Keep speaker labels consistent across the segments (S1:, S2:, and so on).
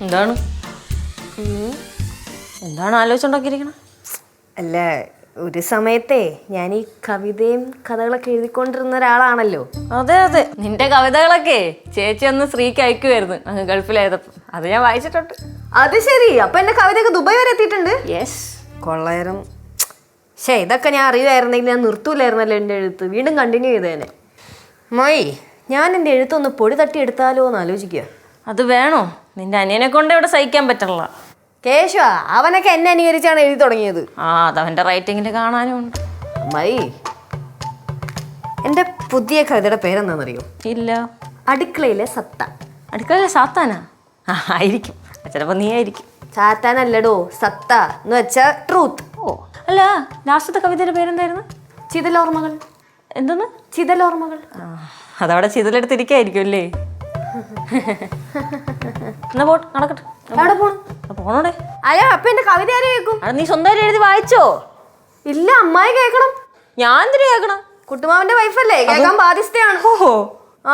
S1: എന്താണ് എന്താണ് ആലോചിച്ചുണ്ടാക്കിയിരിക്കണം?
S2: അല്ല, ഒരു സമയത്തെ ഞാൻ ഈ കവിതയും കഥകളൊക്കെ എഴുതിക്കൊണ്ടിരുന്ന ഒരാളാണല്ലോ.
S1: അതെ അതെ, നിന്റെ കവിതകളൊക്കെ ചേച്ചി ഒന്ന് ശ്രീക്ക് അയക്കുമായിരുന്നു അങ്ങ് ഗൾഫിലായതപ്പം. അത് ഞാൻ വായിച്ചിട്ടുണ്ട്.
S2: അത് ശരി, അപ്പൊ എന്റെ കവിതയൊക്കെ ദുബായ് വരെ എത്തിയിട്ടുണ്ട്.
S1: യെസ്,
S2: കൊള്ളായിരം. പക്ഷേ ഇതൊക്കെ ഞാൻ അറിയുമായിരുന്നെങ്കിൽ ഞാൻ നിർത്തൂലായിരുന്നല്ലോ എൻ്റെ എഴുത്ത്. വീണ്ടും കണ്ടിന്യൂ ചെയ്തേനെ. മായി, ഞാൻ എൻ്റെ എഴുത്തൊന്ന് പൊടി തട്ടി എടുത്താലോ എന്ന് ആലോചിക്കുക.
S1: അത് വേണോ? നിന്റെ അനിയനെ കൊണ്ട് ഇവിടെ സഹിക്കാൻ പറ്റില്ല.
S2: കേശവ, അവനൊക്കെ എന്നെ അനുകരിച്ചാണ് എഴുതി തുടങ്ങിയത്.
S1: അതവന്റെ റൈറ്റിങ്ങിൽ കാണാനും ഉണ്ട്.
S2: മായി, എൻ്റെ പുതിയ കവിതയുടെ പേരെന്താണെന്നറിയോ?
S1: ഇല്ല.
S2: അടുക്കളയിലെ സത്ത.
S1: അടുക്കളയിലെ സാത്താനാ? ആയിരിക്കും, ചിലപ്പോ നീ ആയിരിക്കും.
S2: സാത്താനല്ലടോ, സത്ത എന്ന് വെച്ചാ ട്രൂത്ത്.
S1: ഓ അല്ല, ലാസ്റ്റത്തെ കവിതയുടെ പേരെന്തായിരുന്നു?
S2: ചിതലോർമ്മകൾ.
S1: എന്തെന്ന്?
S2: ചിതലോർമ്മകൾ.
S1: അതവിടെ ചിതലെടുത്തിരിക്കായിരിക്കും അല്ലേ? എന്നാ പോട്ട് നടക്കട്ടെ.
S2: എവിടെ പോണം?
S1: പോണോടെ.
S2: അയ്യോ, അപ്പൊ എന്റെ കവിത ആരും കേൾക്കും?
S1: അത് നീ സ്വന്തമായിട്ട് എഴുതി വായിച്ചോ?
S2: ഇല്ല, അമ്മായി കേൾക്കണം.
S1: ഞാൻ എന്തിനു കേൾക്കണം?
S2: കുട്ടുമാവന്റെ വൈഫല്ലേ, കേൾക്കാൻ ബാധ്യസ്ഥയാണ്.
S1: ഓഹോ.
S2: ആ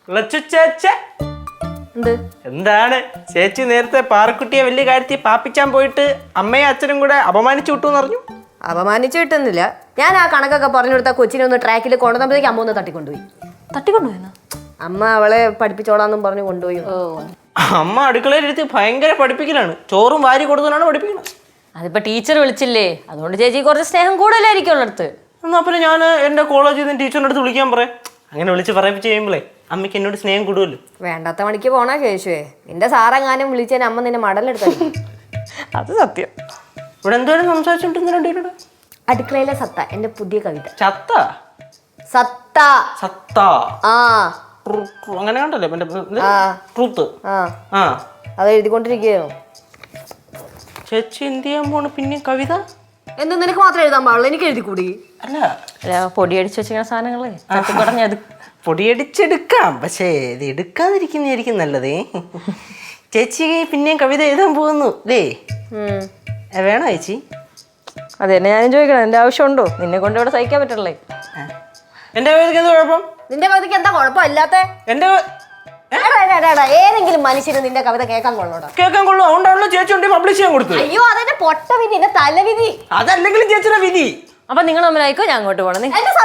S3: എന്ത് എന്താണ് ചേച്ചി നേരത്തെ പാറക്കുട്ടിയെ വലിയ കാര്യത്തിൽ പാപ്പിച്ചാൻ പോയിട്ട് അമ്മയും അച്ഛനും കൂടെ അപമാനിച്ചു വിട്ടൂന്ന് പറഞ്ഞു?
S2: അപമാനിച്ചു കിട്ടുന്നില്ല. ഞാൻ ആ കണക്കൊക്കെ പറഞ്ഞു കൊടുത്ത കൊച്ചിനെ ഒന്ന് ട്രാക്കിൽ കൊണ്ടുവന്നപ്പോഴേക്ക് അമ്മ ഒന്ന് തട്ടിക്കൊണ്ടുപോയി.
S1: തട്ടിക്കൊണ്ടുപോയെന്നോ?
S2: അമ്മ അവളെ പഠിപ്പിച്ചോളാന്നും പറഞ്ഞു കൊണ്ടുപോയി.
S3: അമ്മ അടുക്കളയിലെടുത്ത് ഭയങ്കര പഠിപ്പിക്കലാണ്. ചോറും വാരി കൊടുത്തതാണ് പഠിപ്പിക്കുന്നത്.
S1: അതിപ്പോ ടീച്ചർ വിളിച്ചില്ലേ, അതുകൊണ്ട് ചേച്ചി കുറച്ച് സ്നേഹം കൂടുതലായിരിക്കും ഉള്ളടുത്ത്.
S3: എന്നാ പിന്നെ ഞാൻ എന്റെ കോളേജിൽ നിന്ന് ടീച്ചറിന്റെ അടുത്ത് വിളിക്കാൻ പറയാം. അങ്ങനെ വിളിച്ച് പറയിപ്പിച്ച് കഴിയുമ്പോഴേ അമ്മയ്ക്ക് എന്നോട് സ്നേഹം കൂടുമല്ലോ.
S2: വേണ്ടാത്ത മണിക്ക് പോണാ കേശുവേ. നിന്റെ സാറെങ്ങാനും വിളിച്ചതിന് അമ്മ നിന്നെ മടലെടുത്ത.
S1: അത് സത്യം.
S3: ഇവിടെ എന്തോരം സംസാരിച്ചോണ്ടിരുന്നു?
S2: അടുക്കളയിലെ സത്ത, എന്റെ പുതിയ കവിത.
S3: ചത്ത
S2: സത്ത
S3: സത്ത
S2: ആ
S3: അങ്ങനെ കണ്ടല്ലേ ട്രൂത്ത്. ആ
S2: അത് എഴുതിക്കൊണ്ടിരിക്കുകയോ?
S3: ചേച്ചി എന്ത് ചെയ്യാൻ പോണ് പിന്നെ കവിത?
S2: എന്ത് നിനക്ക് മാത്രം എഴുതാൻ പാടുള്ളൂ, എനിക്ക് എഴുതി കൂടി?
S1: അല്ല, പൊടിയടിച്ച് വെച്ചിരിക്കുന്ന സാധനങ്ങളെ തട്ടിക്കുടഞ്ഞത്
S3: പൊടിയടിച്ചെടുക്കാം, പക്ഷേ ഇത് എടുക്കാതിരിക്കുന്നതായിരിക്കും നല്ലതേ. ചേച്ചി പിന്നെയും കവിത എഴുതാൻ പോകുന്നു അല്ലേ? വേണോ ചേച്ചി?
S1: അത് തന്നെ ഞാനും ചോദിക്കണം, എന്റെ ആവശ്യമുണ്ടോ? നിന്നെ കൊണ്ട് ഇവിടെ സഹിക്കാൻ പറ്റണല്ലേ.
S3: എന്റെ കവിതയ്ക്ക് എന്താ കുഴപ്പം?
S2: നിന്റെ കവിതയ്ക്ക് എന്താ കുഴപ്പമില്ലാത്ത?
S3: എന്റെ
S2: ഏതെങ്കിലും മനുഷ്യന് നിന്റെ കവിത കേൾക്കാൻ കൊള്ളോടാ?
S3: കേൾക്കാൻ കൊള്ളു. അതുകൊണ്ടാണല്ലോ ചേച്ചി കൊണ്ട് പബ്ലിഷ് ചെയ്യാൻ കൊടുത്തു.
S2: അയ്യോ, അതെന്റെ പൊട്ട വിധി, എന്റെ തലവിധി.
S3: അതല്ലെങ്കിലും ചേച്ചിയുടെ വിധി.
S1: അപ്പൊ നിങ്ങൾ തമ്മിലായിക്കോ, ഞാൻ അങ്ങോട്ട് പോകണം.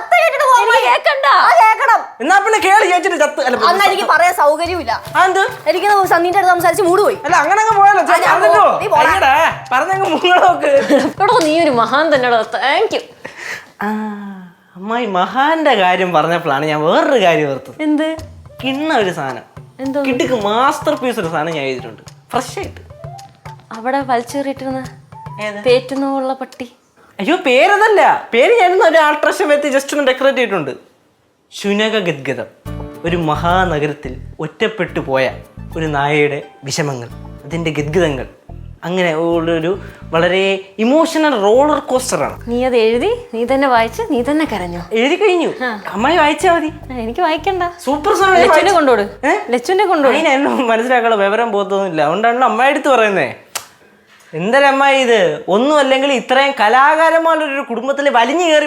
S3: എന്നാ പിന്നെ കേളി ചേച്ചിയുടെ ചത്ത്.
S2: അന്ന് എനിക്ക് പറയാൻ സൗകര്യമില്ല. എനിക്ക് സന്ധ്യന്റെ അടുത്ത് സംസാരിച്ച് മൂടുപോയി.
S3: അല്ല അങ്ങനെ പറഞ്ഞങ്ങ് മുങ്ങളൊക്കെ.
S1: നീ ഒരു മഹാൻ തന്നെ. Thank you.
S3: അമ്മായി മഹാന്റെ കാര്യം പറഞ്ഞപ്പോഴാണ് ഞാൻ വേറൊരു കാര്യം ഓർത്തത്.
S1: എന്ത്?
S3: കിണ്ണ ഒരു സാധനം, കിട്ടിക്ക് മാസ്റ്റർ പീസ് ഒരു സാധനം ഞാൻ എഴുതിയിട്ടുണ്ട്, ഫ്രഷ് ആയിട്ട്.
S1: അവിടെ വലിച്ചേറിയിട്ടിരുന്ന പേറ്റുന്നുള്ള പട്ടി.
S3: അയ്യോ, പേരതല്ല. പേര് ഞാനൊന്ന് ഒരു ആൾട്രേഷൻ വെച്ച് ജസ്റ്റ് ഒന്ന് ഡെക്കറേറ്റ് ചെയ്തിട്ടുണ്ട്. ശുനക ഗദ്ഗതം. ഒരു മഹാനഗരത്തിൽ ഒറ്റപ്പെട്ടു പോയ ഒരു നായയുടെ വിഷമങ്ങൾ, അതിൻ്റെ ഗദ്ഗതങ്ങൾ, അങ്ങനെ ഒരു വളരെ ഇമോഷണൽ റോളർ കോസ്റ്ററാണ്.
S1: നീ അത് എഴുതി, നീ തന്നെ വായിച്ച്, നീ തന്നെ കരഞ്ഞു?
S3: എഴുതി കഴിഞ്ഞു. അമ്മായി വായിച്ചാ മതി.
S1: എനിക്ക് വായിക്കണ്ട.
S3: സൂപ്പർ
S1: കൊണ്ടോട്. ലച്ചുവിനെ കൊണ്ടോട്.
S3: അതിനെല്ലാം മനസ്സിലാക്കാനുള്ള വിവരം പോകത്തൊന്നുമില്ല. അതുകൊണ്ടാണല്ലോ അമ്മ എടുത്ത് പറയുന്നേ. എന്തരമ്മായി ഇത്? ഒന്നും അല്ലെങ്കിൽ ഇത്രയും കലാകാരന്മാരൊരു കുടുംബത്തിൽ വലിഞ്ഞു കയറി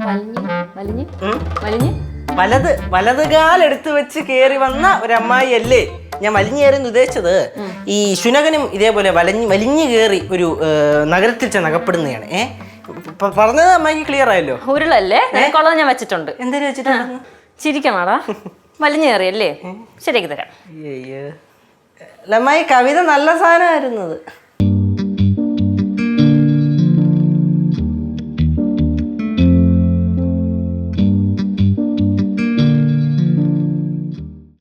S3: വലത് കാലെടുത്ത് വെച്ച് കയറി വന്ന ഒരമ്മായി അല്ലേ ഞാൻ വലിഞ്ഞു കയറിയെന്ന് ഉദ്ദേശിച്ചത്. ഈ ശുനകനും ഇതേപോലെ വലിഞ്ഞു കയറി ഒരു നഗരത്തിൽ ചെന്ന് അകപ്പെടുന്നതാണ്. പറഞ്ഞത് അമ്മായിക്ക് ക്ലിയർ ആയല്ലോ?
S1: ഉരുളല്ലേ കൊള്ളത് ഞാൻ വെച്ചിട്ടുണ്ട്.
S3: എന്തേലും വെച്ചിട്ടുണ്ട്?
S1: ചിരിക്കണാടാ. വലിഞ്ഞു കയറിയല്ലേ? ശരിയാക്കി തരാം.
S3: അമ്മായി കവിത നല്ല സാധനമായിരുന്നത്.